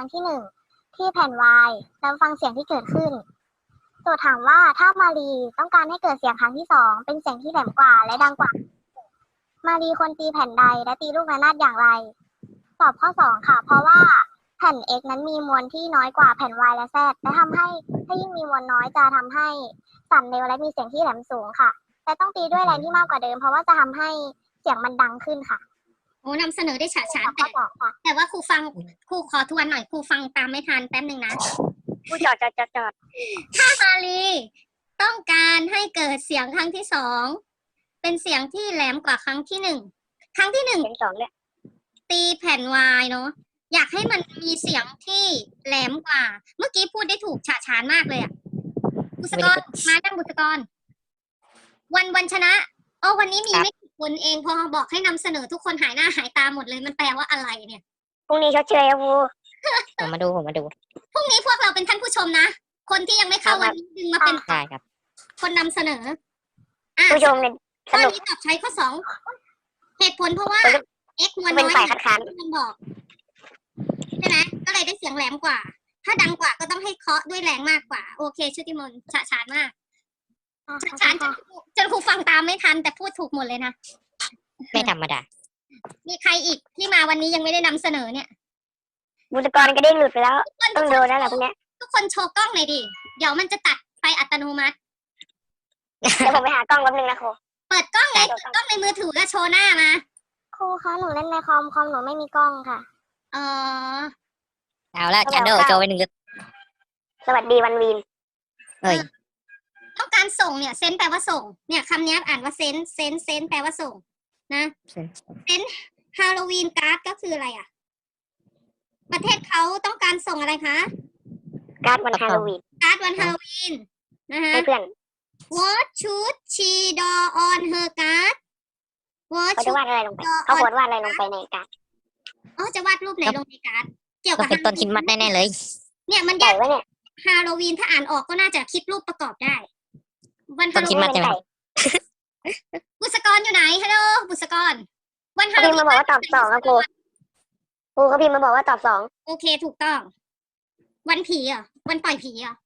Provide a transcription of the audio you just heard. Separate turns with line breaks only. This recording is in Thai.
รั้งที่1ที่แผ่น Y แล้วฟังเสียงที่เกิดขึ้นโจทย์ถามว่าถ้ามารีต้องการให้เกิดเสียงครั้งที่2เป็นเสียงที่แหลมกว่าและดังกว่ามารีควรตีแผ่นใดและตีลูกระนาดอย่างไรตอบข้อ2ค่ะเพราะว่าแผ่น X นั้นมีมวลที่น้อยกว่าแผ่น Y และ Z และทำให้ถ้ายิ่งมีมวลน้อยจะทำให้สั่นเร็วและมีเสียงที่แหลมสูงค่ะแต่ต้องตีด้วยแรงที่มากกว่าเดิมเพราะว่าจะทำให้เสียงมันดังขึ้นค่ะ
โอ้นำเสนอได้ฉะฉาน
ข้อสองค่ะ
แต่ว่าครูขอทวนหน่อยครูฟังตามไม่ทันแป๊บหนึ่งนะ
ครูจอด
ถ้ามารีต้องการให้เกิดเสียงครั้งที่2เป็นเสียงที่แหลมกว่าครั้งที่1ครั้งที่1
เสียง2เนี่ย
ตีแผ่น Y เนาะอยากให้มันมีเสียงที่แหลมกว่า เมื่อกี้พูดได้ถูกฉะฉานมากเลยอ่ะบุษกรมาดังบุษกรวันชนะวันนี้มีไม่กี่คนเองพอบอกให้นำเสนอทุกคนหายหน้าหายตาหมดเลยมันแปลว่าอะไรเนี่ย
พรุ่งนี้ชดเชยครับครู
ผมมาดู
พรุ่งนี้พวกเราเป็นท่านผู้ชมนะคนที่ยังไม่เข้าวันนี้ดึงมาเป็น
ได้ครับ
คนนำเสนอ
ผู้ชมเนี่ยส
ข้อ
นุก
นี้ตอบใช้ข้อ2เหตุผลเพราะว่า x มวล
เป็น
น้อย
ฝ่ายคัดค้าน
ที่มันบอกใช่ไหมก็เลยได้เสียงแหลมกว่า ถ้าดังกว่าก็ต้องให้เคาะด้วยแรงมากกว่าโอเคชุติมนต์ฉะฉานมากฉะฉานจนครูฟังตามไม่ทันแต่พูดถูกหมดเลยนะ
ไม่ธรรมดา
มีใครอีกที่มาวันนี้ยังไม่ได้นำเสนอเนี่ย
บุตรกรก็ได้หลุดไปแล้วต้องโดนแล้วแหละพวกเนี้ย
ทุกคนโชว์กล้องหน่อยดิเดี๋ยวมันจะตัดไปอัตโนมัติ
เดี๋ยวผมไปหากล้องแป๊บนึงนะครู
เปิดกล้องไงเปิดกล้องในมือถือแล้วโชว์หน้ามา
ครูคะหนูเล่นในคอมหนูไม่มีกล้องค่ะ
อ๋อ
เอาละชันโดโจไป1
สวัสดีวันวีน
เอ้ย
ต้องการส่งเนี่ยเซนแปลว่าส่งเนี่ยคำนี้อ่านว่าเซนแปลว่าส่งนะเซนฮาโลวีนการ์ดก็คืออะไรอ่ะประเทศเขาต้องการส่งอะไรคะ
การ์ดวันฮาโลวีน
การ์ดวันฮาโลวีนนะคะ
ให้เพื่อน
What should she draw on her card What
เขาจะ
should
วาดอะไรลงไปเขาโพสต์วาดอะไรลงไปในการ์ด
จะวาดรูปไหนลงในการ์ดเกี่ยว
ต้
กั
อบ งเป็นต้นคริสต์มาสแน่ๆเลย
เนี่ยมัน
ใหญ่
ยาก
ไว้เนี่ย
ฮาโลวีนถ้าอ่านออกก็น่าจะคิดรูปประกอบได้ วัน
ต้
ฮาน โล
คริสต์
วี
มาส
น
ใช่ไหม
บุษกรอยู่ไหนฮัลโหลบุษกรวันฮา
เขา
โล
พิมพ์
วี
มาน บอกว่าตอบ2ครับครูเขาพิมพ์มาบอกว่าตอบ2
โอเคถูกต้อง วันผีเหรอวันปล่อยผีเหรอ